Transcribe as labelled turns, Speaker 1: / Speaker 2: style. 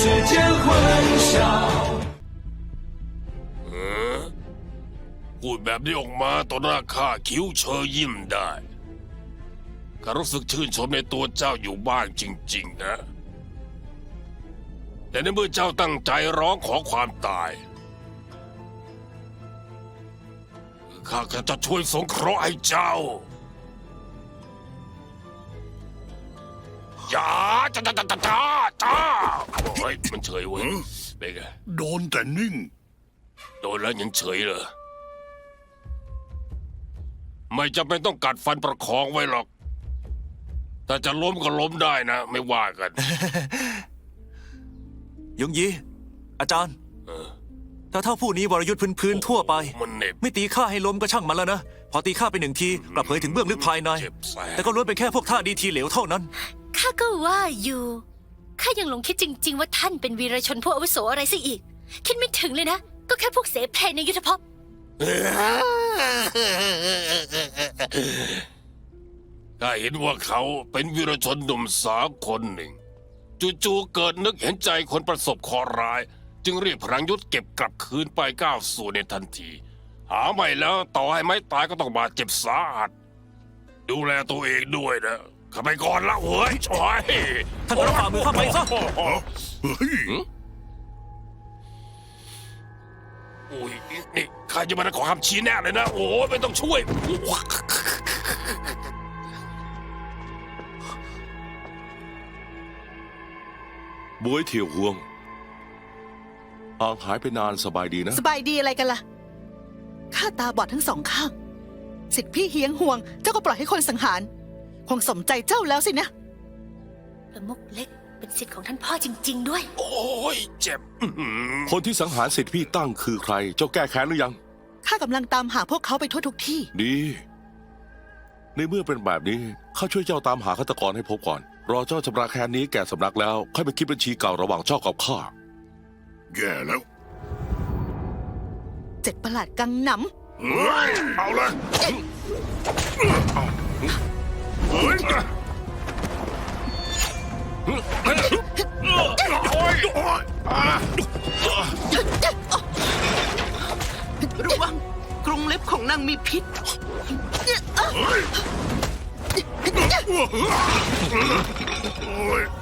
Speaker 1: 间混淆。
Speaker 2: พูดแบบนี้ออกมาต่อหน้าข้าคิ้วเชยยิ้มได้ข้ารู้สึกชื่นชมในตัวเจ้าอยู่บ้างจริงๆนะ แต่ในเมื่อเจ้าตั้งใจร้องขอความตายข้าก็จะช่วยสงเคราะห์ให้เจ้าอย่าจ้าโอ้ยมันเฉยเว้ยเป็นไง
Speaker 3: โดนแต่นิ่ง
Speaker 2: โดนแล้วยังเฉยเหรอไม่จำเป็นต้องกัดฟันประคองไว้หรอกถ้าจะล้มก็ล้มได้นะไม่ว่ากัน
Speaker 4: ยงยีอาจารย์ถ้าเท่าผู้นี้วรยุทธ์พื้นๆทั่วไป
Speaker 2: มันเหน็บ
Speaker 4: ไม่ตีข้าให้ล้มก็ช่างมันแล้วนะ พอตีข้าไปหนึ่งทีกลับเผยถึงเบื้องลึกภายใน
Speaker 2: เจ็บแสบ
Speaker 4: แต่ก็ล้วนเป็นแค่พวกท่าดีทีเหลวเท่านั้น
Speaker 5: ข้าก็ว่าอยู่ข้ายังหลงคิดจริง ๆ ว่าท่านเป็นวีรชนผู้อาวุโสอะไรซะอีก คิดไม่ถึงเลยนะ ก็แค่พวกเสเพลในยุทธภพ
Speaker 2: ข้าเห็นว่าเขาเป็นวีรชนหนุ่มสาวคนหนึ่งจู่ๆเกิดนึกเห็นใจคนประสบเคราะห์ร้าย จึงเรียกพลังยุทธเก็บกลับคืนไปก้าวสู่ในทันที หาไม่แล้วต่อให้ไม่ตายก็ต้องบาดเจ็บสาหัสดูแลตัวเองด้วยนะข้าไปก่อนละเว้ยชอย
Speaker 4: ท่านรับฝ่ามือข้าไปซะ
Speaker 3: เฮ้ย
Speaker 2: โอ้ยนี่ข้าจะมาขอคำชี้แนะเลยนะโอ้ยไม่ต้องช่วย
Speaker 6: บวยเที่ยวห่วงห่างหายไปนานสบายดีนะ
Speaker 7: สบายดีอะไรกันล่ะ ข้าตาบอดทั้งสองข้าง สิทธิพี่เฮียงห่วง เจ้าก็ปล่อยให้คนสังหาร คงสมใจเจ้าแล้วสินะ
Speaker 5: ประมุกเล็กเป็นสิทธิ์ของท่านพ่อจริง ๆ ด้วย
Speaker 2: โอ้ยเจ็บ
Speaker 6: คนที่สังหารสิทธิพี่ตั้งคือใคร เจ้าแก้แค้นหรือยัง
Speaker 7: ข้ากำลังตามหาพวกเขาไปทั่วทุกที่
Speaker 6: ดี ในเมื่อเป็นแบบนี้ข้าช่วยเจ้าตามหาฆาตกรให้พบก่อน รอเจ้าชำระแค้นนี้แก่สำนักแล้วค่อยไปคิดบัญชีเก่าระหว่างเจ้ากับข้า
Speaker 3: แย่แล้ว
Speaker 7: เจ็ดประหลาดกังหน
Speaker 3: เฮ้ย เอาเลยเอาเฮ้ย โอ้ยโอ้ยอ่ะ
Speaker 8: ระวังกรงเล็บของนางมีพิษ
Speaker 3: เฮ้ยโอ้ย